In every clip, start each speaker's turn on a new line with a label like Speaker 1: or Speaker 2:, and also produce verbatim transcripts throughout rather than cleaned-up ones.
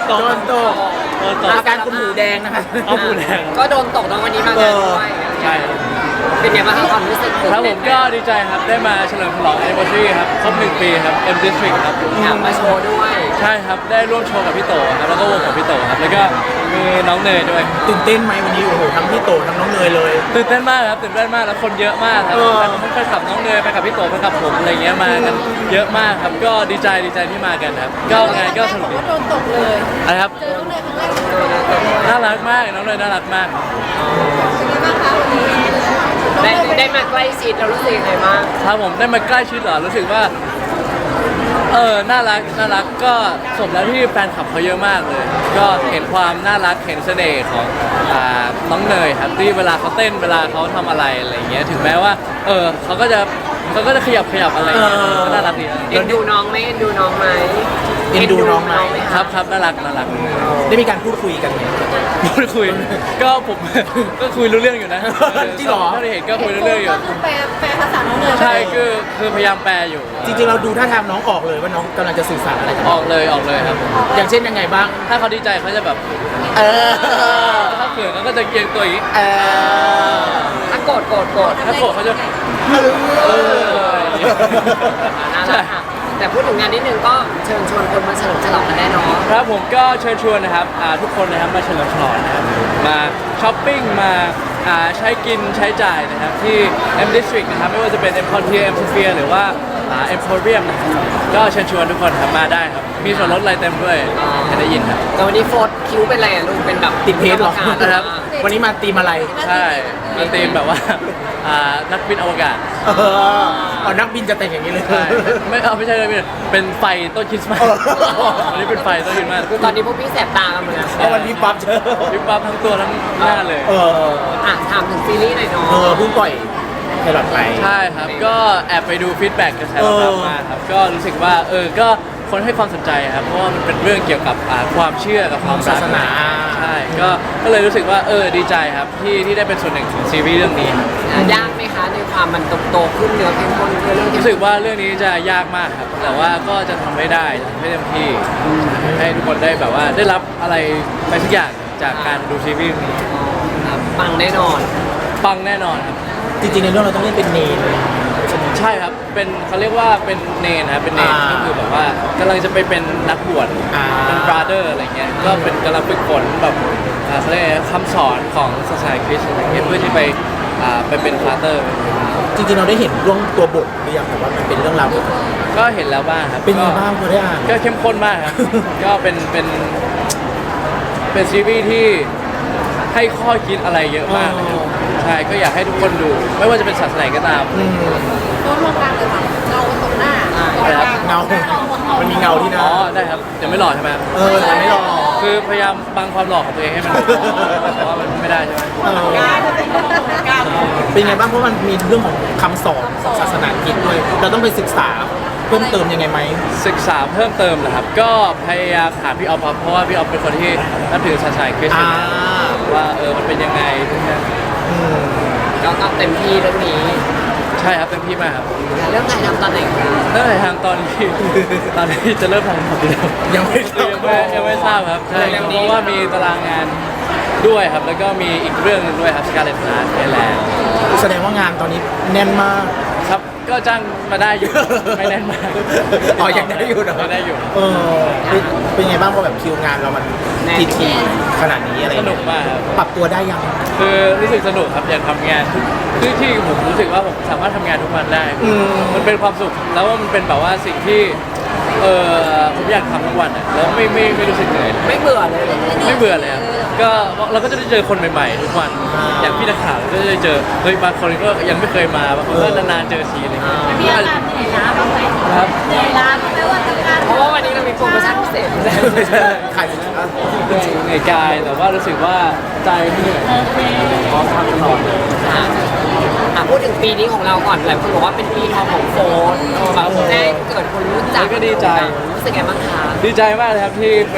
Speaker 1: ตก
Speaker 2: โดนตก
Speaker 1: โดนตก
Speaker 2: อาการคุณหมูแดงนะคะ
Speaker 1: เอาหมูแดง
Speaker 3: ก็โดนตกตอนวันนี้มางานด้วย
Speaker 1: ใช่
Speaker 3: เป็นไงบ้างคะความรู้สึก
Speaker 1: ครับผมก็ดีใจครับได้มาเฉลิมฉลอง anniversary ครับครบหนึ่งปีครับ M District ครับ
Speaker 3: อยากมาโชว์ด้วย
Speaker 1: ใช่ครับได้ร่วมโชว์กับพี่โตครับแล้วก็วงของพี่โตครับแล้วก็มีน้องเนยด้วย
Speaker 2: ตื่นเต้นไหมวันนี้โอ้โหทั้งพี่โตทั้งน้องเนยเลย
Speaker 1: ตื่นเต้นมากครับตื่นเต้นมากแล้วคนเยอะมากครับ
Speaker 2: เออ
Speaker 1: แต่ผมไปขับน้องเนยไปกับพี่โตไปกับผมอะไรเงี้ยมากันเยอะมากครับก็ดีใจดีใจที่มากันครับก็งานก็สนุกดี
Speaker 4: โดนตกเลย
Speaker 1: อะไรครับ
Speaker 4: เจอน้องเนยครั้งแรกเป็นไงบ้าง
Speaker 1: น่ารักมากน้องเนยน่ารักมาก
Speaker 4: คะวันนี้
Speaker 3: ได้ได้มาใกล้ชิดเรารู้สึกยังไงบ้าง
Speaker 1: ครับผมได้มาใกล้ชิดเหรอรู้สึกว่าเออน่ารักน่ารักก็สมแล้วที่แฟนคลับเขาเยอะมากเลย ก็เห็นความน่ารักเห็นเสน่ห์ของอ่าน้องเนยครับที่เวลาเขาเต้นเวลาเขาทำอะไรอะไรอย่างเงี้ยถึงแม้ว่าเออเขาก็จะเขาก็จะขยับขยับอะไรอย่างเงี้ยก็น่ารักดีนะ
Speaker 3: เอ็นดูน้องไหมเอ็นดูน้องไหม
Speaker 2: เอ็นดูน้องไหม
Speaker 1: ครับครับน่ารักน่ารัก
Speaker 2: ได้มีการพูดคุยกันไหม
Speaker 1: พูดคุยก็ผม ก็คุยรู้เรื่องอยู่นะ
Speaker 2: จริงเหรอ
Speaker 1: ถ้าได้เห็นก็คุยรู้เรื่องอยู่
Speaker 4: ก็คือแปลแปลภาษาน้องเนย
Speaker 1: ใช่คือคือพยายามแปลอยู่
Speaker 2: จริงๆเราดูท่าทางน้องออกเลยว่าน้องกำลังจะสื่อสารอะไรกัน
Speaker 1: ออกเลยออกเลยครับ
Speaker 2: อย่างเช่นยังไงบ้าง
Speaker 1: ถ้าเขาดีใจเขาจะแบบ
Speaker 2: เออ
Speaker 1: ถ้าเขินเขาก็จะเกียงตัวอย่างนี้
Speaker 2: เออ
Speaker 3: ถ้าโกรธโกรธโกรธ
Speaker 1: ถ้าโกรธเขาจะเอออย่างเงี้ย
Speaker 3: น่า
Speaker 1: ใช่
Speaker 3: รักค่ะแต่พูดถึงงานนิดนึงก็เชิญชวนคนมาเฉลิมฉลองกันแน่นอน
Speaker 1: ครับผมก็เชิญชวนนะครับอ่าทุกคนนะครับมาเฉลิมฉลองนะครับมาช้อปปิ้งมาอ่าใช้กินใช้จ่ายนะครับที่ M District นะครับไม่ว่าจะเป็น M Frontier M Sphere หรือว่าอ่า Emporium นะครับก็เชิญชวนทุกคนครับมาได้ครับมีส่วนลดอะไรเต็มด้วยจะได้ยินครับ
Speaker 3: แต่วันนี้โฟร์คิ้วเป็นอะไรอ่ะลูกเป็นแบบ
Speaker 2: ติดเพจเหรอ
Speaker 3: กรรมการ
Speaker 1: นะครับ
Speaker 2: วันนี้มาตีมอะไร
Speaker 1: ใช่มันธีมแบบว่าอ่านักบินอวกาศ
Speaker 2: เออเอานักบินจะแต่งอย่างนี้เลย
Speaker 1: ใช่ไม่เอาไม่ใช่เลยเป็นไฟต้นคริสต์มาส
Speaker 2: เออ
Speaker 1: วันนี้เป็นไฟต้นคริสต์มาส
Speaker 3: คือตอนนี้พวกพี่แสบตากันหมดแล้ว
Speaker 2: เพราะวันนี้ปั๊บเจอ
Speaker 1: วิบวับทั้งตัวทั้งหน้าเลย
Speaker 2: เออ
Speaker 3: อ่ะถามถึงซีรีส์หน่อยเนาะ
Speaker 2: เออเพิ่งปล่อยไพลอตไป
Speaker 1: ใช่ครับ ก็แอบไปดูฟีดแบ็กกระแสตอบรับมาครับ ก็รู้สึกว่าเออ ก็คนให้ความสนใจครับ เพราะว่ามันเป็นเรื่องเกี่ยวกับอ่าความเชื่อกับความรัก
Speaker 2: ศาสนา
Speaker 1: ใช่ ก็ก็เลยรู้สึกว่าเออดีใจครับที่ที่ได้เป็นส่วนหนึ่งของซีรีส์เรื่องนี้ครับ
Speaker 3: อ่ะยากไหมคะในความมันโตๆขึ้นเนื้อเข้มข้นขึ้นเรื่องที่
Speaker 1: รู้สึกว่าเรื่องนี้จะยากมากครับ แต่ว่าก็จะทำให้ได้ทำให้เต็มที่ให้ทุกคนได้แบบว่าได้รับอะไรไปสักอย่างจากการดูซีรีส์เรื่องนี้
Speaker 3: ครับปังแน่นอน
Speaker 1: ปังแน่นอนครับ
Speaker 2: จริงๆในเรื่องเราต้องเล่นเป็นเนรเลย
Speaker 1: ใช่ครับ เป็นเขาเรียกว่าเป็นเนนนะครับ เป็นเนน
Speaker 2: อ่า
Speaker 1: ก็คือแบบว่ากำลังจะไปเป็นนักบวช
Speaker 2: อ่า
Speaker 1: เป็นบราเดอร์อะไรเงี้ย ก็เป็นกำลังฝึกฝนแบบอ่าเขาเรียกอะไรคำสอนของศาสนาคริสต์อะไรเงี้ยเพื่อที่ไปอ่าไปเป็นฟาเตอร์
Speaker 2: จริงๆเราได้เห็นเรื่องตัวบทหรือยังแต่ว่ามันเป็นเรื่องราวเกี่ยวกับ
Speaker 1: ก็เห็นแล้วบ้างครับ
Speaker 2: เป็นยังไง
Speaker 1: ก็
Speaker 2: บ้างพอได้อ่าน
Speaker 1: ก็เข้มข้นมากครับ ก็เป็นเป็นเป็นซีรีส์ที่ให้ข้อคิดอะไรเยอะมากนะครับใช่ ก็อยากให้ทุกคนดู ไม่ว่าจะเป็นศาสนาไหนก็ตาม
Speaker 2: อืม
Speaker 4: โดนลงกลางเลยค่ะเงาตรงหน้า
Speaker 1: อะไรครับ
Speaker 2: เงา มันมีเงาที่หน้า
Speaker 1: อ๋อ ได้ครับเดี๋ยวไม่หล่อใช่ไหมครับ
Speaker 2: เออแต่ไม่หรอก
Speaker 1: คือพยายามบังความหล่อของตัวเองให้มันเพราะว่ามันไม่ได้ใช่ไหม
Speaker 2: เออเป็นไงบ้างเพราะมันมีเรื่องของคำสอนของศาสนาคริสต์ด้วย เราต้องไปศึกษาเพิ่มเติมยังไงไหม
Speaker 1: ศึกษาเพิ่มเติมนะครับ ก็พยายามถามพี่ออฟครับเพราะว่าพี่ออฟเป็นคนที่นับถือศาสนาคริสต์
Speaker 2: อ่า
Speaker 1: ว่าเออมันเป็นยังไงทุกอย่าง
Speaker 2: อืม
Speaker 3: ก็ก็เต็มที่เรื่องนี้
Speaker 1: ใช่ครับเต็มที่มากครับ
Speaker 3: เรื่องถ่ายทำตอนไหนคะ
Speaker 1: ตั้งแต่ทางตอนที่ ตอนที่จะเริ่มทำครับพี่
Speaker 2: ยังไม่ทราบ
Speaker 1: ยังไม่ยังไม่ทราบครับใช่เพราะว่ามีตารางงานด้วยครับ แล้วก็มีอีกเรื่องหนึงด้วยครับสกาเลตฮาร์ดไทยแลนด์
Speaker 2: แสดงว่างานตอนนี้แน่นมาก
Speaker 1: ครับก็จ้างมาได้อยู่ ไม่แน่นมาก
Speaker 2: อ๋อยังได้อยู่เนอะ
Speaker 1: ยังได้อยู่
Speaker 2: เออเป็นเป็นไงบ้างพอแบบคิวงานเรามันทีทีขนาดนี้อะไร
Speaker 1: ส
Speaker 2: เงี้ย
Speaker 1: นุกมากครับ
Speaker 2: ปรับตัวได้ยัง
Speaker 1: คือรู้สึกสนุกครับอยากทำงานทุกคือที่ผมรู้สึกว่าผมสามารถทำงานทุกวันได้
Speaker 2: อืม
Speaker 1: มันเป็นความสุขแล้วว่ามันเป็นแบบว่าสิ่งที่เออผมอยากทำทุกวันอ่ะแล้วไม่ไม่ไม่รู้สึกเหนื่อยเลย
Speaker 3: ไม่เบื่อเลยเหรอ
Speaker 1: ไม่เบื่อเลยครับก็เราก็จะได้เจอคนใหม่ๆทุกวันอย่างพี่นักข่าวก็จะได้เจอเฮ้ยบางคนก็ยังไม่เคยมาบางคนก็นานๆเจอทีอะไรอย่างเงี้ย
Speaker 4: มีอาการเหนื่อยล้าบ้างไหม
Speaker 1: ครับ
Speaker 4: เหนื่อยล้าบ้างไหมว่าทำงาน
Speaker 3: เพราะว่าวันนี้เรามีโปรโมชั่นพิเศษ
Speaker 2: ขายสินค้า
Speaker 1: เหนื่อยกายแต่ว่ารู้สึกว่าใจไม่เหนื่อยพร้อมทำตลอด
Speaker 3: ค่ะอ่ะพูดถึงปีนี้ของเราก่อนหลายคนบอกว่าเป็นปีทองของโฟนแบบได้เกิดคนรู้จัก
Speaker 1: ก็ดีใจ
Speaker 3: รู้สึกไงบ้างคะ
Speaker 1: ดีใจมากเลยครับที่เป็น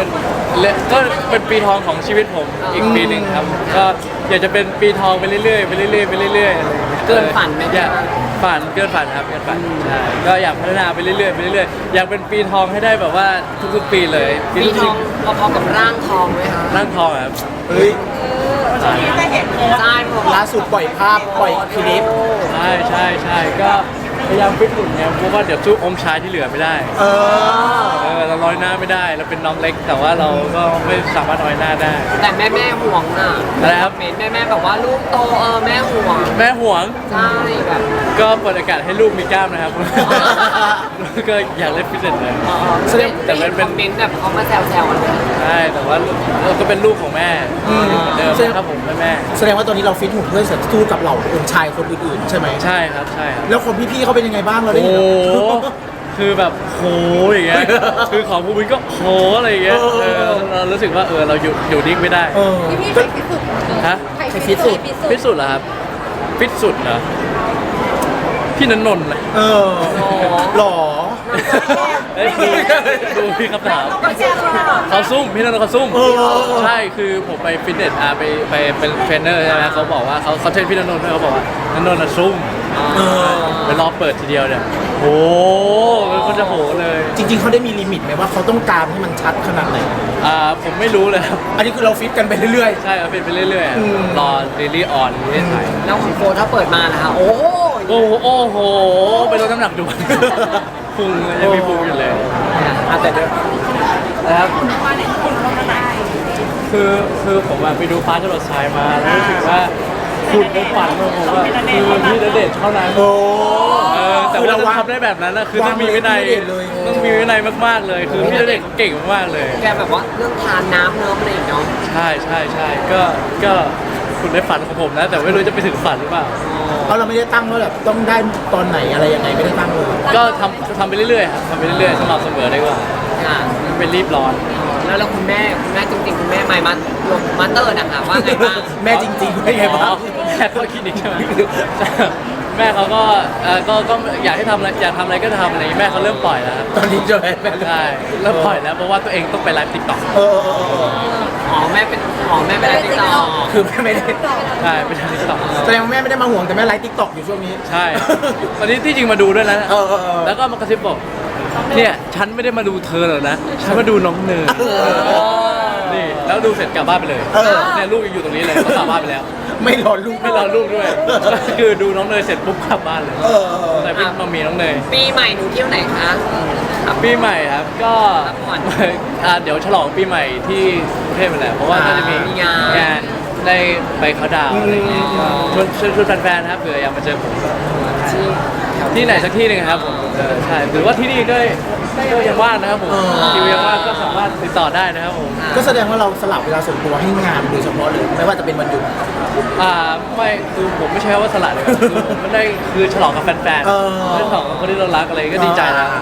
Speaker 1: และก็เป็นปีทองของชีวิตผมอีกปีหนึ่งครับก็อยากจะเป็นปีทองไปเรื่อยๆไปเรื่อยๆไปเรื่อยๆอะไรอย่างเงี้ย
Speaker 3: เกินฝันไหม
Speaker 1: อยากฝันเกินฝันครับเกินฝันใช่ก็อยากพัฒนาไปเรื่อยๆไปเรื่อยๆอยากเป็นปีทองให้ได้แบบว่าทุกๆปีเลย
Speaker 3: ปีทองพอๆกับร่างทองไหมคะ
Speaker 1: ร่างทองอะครับ
Speaker 2: เฮ้ย
Speaker 4: ช่วงนี้จะเห็นเลย
Speaker 3: ใช่ผม
Speaker 2: ล่าสุดปล่อยภาพปล่อยคลิป
Speaker 1: ใช่ใช่ใช่ก็พยายามฟิตหุ่นเนี่ยเพราะว่าเดี๋ยวสู้อมชายที่เหลือไม่ได้
Speaker 2: เออ
Speaker 1: เออเราน้อยหน้าไม่ได้เราเป็นน้องเล็ก แต่ว่าเราก็ไม่สามารถน้อยหน้าได้
Speaker 3: แต่แม่แม่ห่วงน่ะ
Speaker 1: อะไรครับ
Speaker 3: เมนแม่แม่แบบว่าลูกโตเออแม่ห่วง
Speaker 1: แม่ห่วง
Speaker 3: ใช่แบบ
Speaker 1: ก็เปิดโอกาสให้ลูกมีกล้ามนะครับ ก็อยากเล่นฟิตเนสเลย
Speaker 3: เออ
Speaker 1: แสดงแต่มันเป็น
Speaker 3: คอมเมนต์แบบเขามาแซวๆกันเลย
Speaker 1: ใช่แต่ว่าเราก็เป็นลูกของแม่เหมือนเดิมนะครับผมแม่แม่
Speaker 2: แสดงว่าตอนนี้เราฟิตหุ่นเพื่อจะสู้กับเหล่าองค์ชายคนอื่นๆใช่ไหม
Speaker 1: ใช่ครับใช่ครับ
Speaker 2: แล้วคนพี่ๆเขาเป็นยังไงบ้างเราได้
Speaker 1: โอ้
Speaker 2: เห็น
Speaker 1: โห
Speaker 2: เหรอ
Speaker 1: คือแบบโหอย่างเงี้ยคือของภูมิก็โหอะไรอย่างเงี้ย
Speaker 2: เออ
Speaker 1: เออเรารู้สึกว่าเออเราอยู่อยู่นิ่งไม่ได้
Speaker 2: เออ
Speaker 4: พี่พี่
Speaker 2: ก็
Speaker 4: ใครฟิตสุด
Speaker 1: ฮะ
Speaker 4: ใครฟิตสุด
Speaker 1: ฟิตสุดเหรอครับฟิตสุดเหรอพี่นันนนท์เลย
Speaker 2: เออหล่อ
Speaker 1: เอ้ยดูดูพี่คำถาม
Speaker 4: ก็แชร์มา
Speaker 1: เขาซุ่มพี่นันนท์เขาซุ่ม
Speaker 2: เออ
Speaker 1: ใช่คือผมไปฟิตเนสอ่ะไปไปเป็นเทรนเนอร์ใช่ไหมเขาบอกว่าเขาเขาเทรนพี่นันนท์ด้วยเขาบอกว่านันนนท์น่ะซุ่ม
Speaker 2: เออ
Speaker 1: ไปรอเปิดทีเดียวเนี่ยโหมันก็จะโหเลย
Speaker 2: จริงๆเขาได้มีลิมิตไหมว่าเขาต้องการให้มันชัดขนาดไหน
Speaker 1: อ่าผมไม่รู้เลยครับ
Speaker 2: อันนี้คือเราฟิตกันไปเรื่อย
Speaker 1: ใช่เอาเป็นไปเรื่อยๆอะ
Speaker 2: อืม
Speaker 1: รอลิลี่ออนลิลี่ถ่าย
Speaker 3: แล้วของโฟถ้าเปิดมานะคะโอ้โห
Speaker 1: โอ้โหโอ้โหไปลดน้ำหนักด่วน พุงยังมีพุงอยู่เลย
Speaker 3: อ่ะแต่เดี๋ยว
Speaker 1: นะครับ
Speaker 4: มาเนี่ยคุณลงมาไหน
Speaker 1: คือคือผมอะไปดูฟ้าจรดทรายมาแล้วรู้สึกว่าคุณในฝันของผมอะคือพี่ณเดชน์เท่านั้น
Speaker 2: ๆ โอ้
Speaker 1: เออแต่
Speaker 2: คือ
Speaker 1: ว่า
Speaker 2: เรา
Speaker 1: จะ
Speaker 2: วาง
Speaker 1: ทำได้แบบนั้นนะคือต้องมีวินัย
Speaker 2: วางไว้ที่ณเดชน์เลย
Speaker 1: ต้องมีวินัยมากๆเลย คือพี่ณเดชน์เขาเก่งมากๆเลย
Speaker 3: แกแบบว่าเรื่องทานน้ำเนิ้มอะไรอย่างเนาะ
Speaker 1: ใช่ใช่ใช่ก็ก็คุณในฝันของผมนะ แต่ไม่รู้จะไปถึงฝันหรือเปล่า
Speaker 2: เพราะเราไม่ได้ตั้งว่าแบบต้องได้ตอนไหนอะไรยังไงไม่ได้ตั้งเลย
Speaker 1: ก็ทำทำไปเรื่อยๆครับทำไปเรื่อยๆสม่ำเสมอดีกว่า
Speaker 3: ค่ะ
Speaker 1: ไม่รีบร้อน
Speaker 3: แล้วแล้วคุณแม่คุณแม่จริงๆคุณแม่ไมค์มาลงมาสเตอร์นะคะว่าไงบ้าง
Speaker 2: แม่จริงๆไม่ไงบ้าง
Speaker 1: แม่ก็คลินิกใช่ไหมแม่เขาก็เอ่อก็ก็อยากให้ทำอะไรอยากทำอะไรก็ทำอะไรอย่างงี้แม่เขาเริ่มปล่อยแล้วครับ
Speaker 2: ตอนนี้จะแม่แม่
Speaker 1: ใช่เริ่มปล่อยแล้วเพราะว่าตัวเองต้องไปไลฟ์ติ๊กต็อก
Speaker 2: เออเออเออเออ
Speaker 3: อ๋อแม่เป็นอ๋อแม่เป็นอะไรติดต่อ
Speaker 2: คือแม่ไม่ได้
Speaker 1: ใช่ไปทำติ๊กต็อก
Speaker 2: แสดงว่าแม่ไม่ได้มาห่วงแต่แม่ไลฟ์ติ๊กต็อกอยู่ช่วงนี้
Speaker 1: ใช่ตอนนี้ที่จริงมาดูด้วยนะ
Speaker 2: เออเออเออ
Speaker 1: แล้วก็มากระซิบบอกเนี่ยฉันไม่ได้มาดูเธอหรอกนะฉันมาดูน้องเนย
Speaker 2: เออ
Speaker 1: นี่แล้วดูเสร็จกลับบ้านไปเลย
Speaker 2: เออ
Speaker 1: เนี่ยลูกยังอยู่ตรงนี้เลยเขากลับบ้านไปแล้ว
Speaker 2: ไม่รอลูก
Speaker 1: ไม่รอลูกด้วยคือดูน้องเนยเสร็จปุ๊บกลับบ้านเลย
Speaker 2: เออเออเออ
Speaker 1: แต่เป็นมามีน้องเนย
Speaker 3: ปีใหม่หนูเที่ยวไหนคะครับ
Speaker 1: ปีใหม่ครับก็
Speaker 3: พักผ่อน
Speaker 1: อ่าเดี๋ยวฉลองปีใหม่ที่กรุงเทพไปแหละเพราะว่าก็จะมี
Speaker 3: มีงาน
Speaker 1: งานได้ไปเขาน์ดาวน์อะไรอย่างเงี้ยชวนชวนชวนแฟนๆนะครับเผื่ออยากมาเจอผมก็
Speaker 3: ที่
Speaker 1: ที่ไหนสักที่หนึ่งครับผมเออใช่หรือว่าที่นี่ก็ก็ยังว่างนะครับผม
Speaker 2: เออ
Speaker 1: คิวยังว่างก็สามารถติดต่อได้นะครับผม
Speaker 2: ก็แสดงว่าเราสลับเวลาส่วนตัวให้งานโดยเฉพาะเลยไม่ว่าจะเป็นวันหยุด
Speaker 1: อ่าไม่คือผมไม่ใช่ว่าสลัดเลยครับคือผมไม่ได้คือฉลองกับแฟน
Speaker 2: เออ
Speaker 1: ๆฉลองกับคนที่เรารักอะไรก็ดีใจแล้ว
Speaker 3: อ่ะ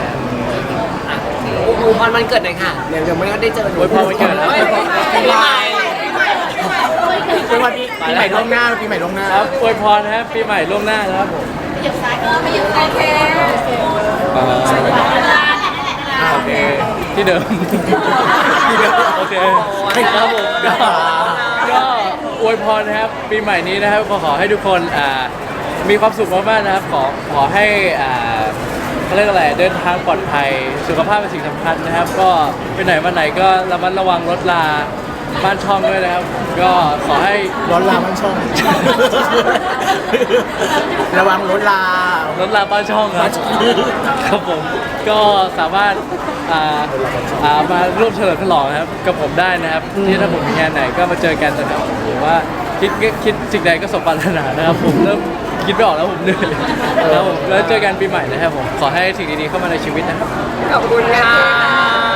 Speaker 3: โอ้โหพรวันเกิดหน่อยค่ะเดี๋ยวเดี๋ยวไม่ได้เจอหนู
Speaker 1: อวยพรวันเกิดนะ
Speaker 3: ฮ้ยปีใหม่
Speaker 2: เป็นวันปีปีใหม่ล่วงหน้าปีใหม่ล่วงหน้า
Speaker 1: ครับอวยพรนะครับปีใหม่ล่วงหน้านะครับผม
Speaker 4: เหยียบซ้ายเออไม่เหยียบซ้ายโอเค
Speaker 1: อ่า โอเค ที่เดิม ที่เดิมโอเคครับผมก็ก็อวยพรนะครับ ปีใหม่นี้นะครับก็ขอให้ทุกคนอ่ามีความสุขมากๆนะครับ ขอขอให้อ่าเขาเรียกอะไรเดินทางปลอดภัยสุขภาพเป็นสิ่งสำคัญนะครับ ก็ไปไหนมาไหนก็ระมัดระวังรถลาบ้านช่องด้วยนะครับ ก็ขอให้
Speaker 2: ร้อนลาบ้านช่อง ระวังรถลาร
Speaker 1: ถลาบ้านช่องครับครับผมก็สามารถอ่าอ่ามาร่วมเฉลิมฉลองนะครับกับผมได้นะครับที่ถ้าผมมีงานไหนก็มาเจอกันนะครับหรือว่าคิดคิดสิ่งใดก็สมปรารถนานะครับผมเริ่มคิดไม่ออกแล้วผมเหนื่อยแล้วผมแล้วเจอกันปีใหม่นะครับผมขอให้สิ่งดีๆเข้ามาในชีวิตนะครับ
Speaker 3: ขอบคุณค่ะ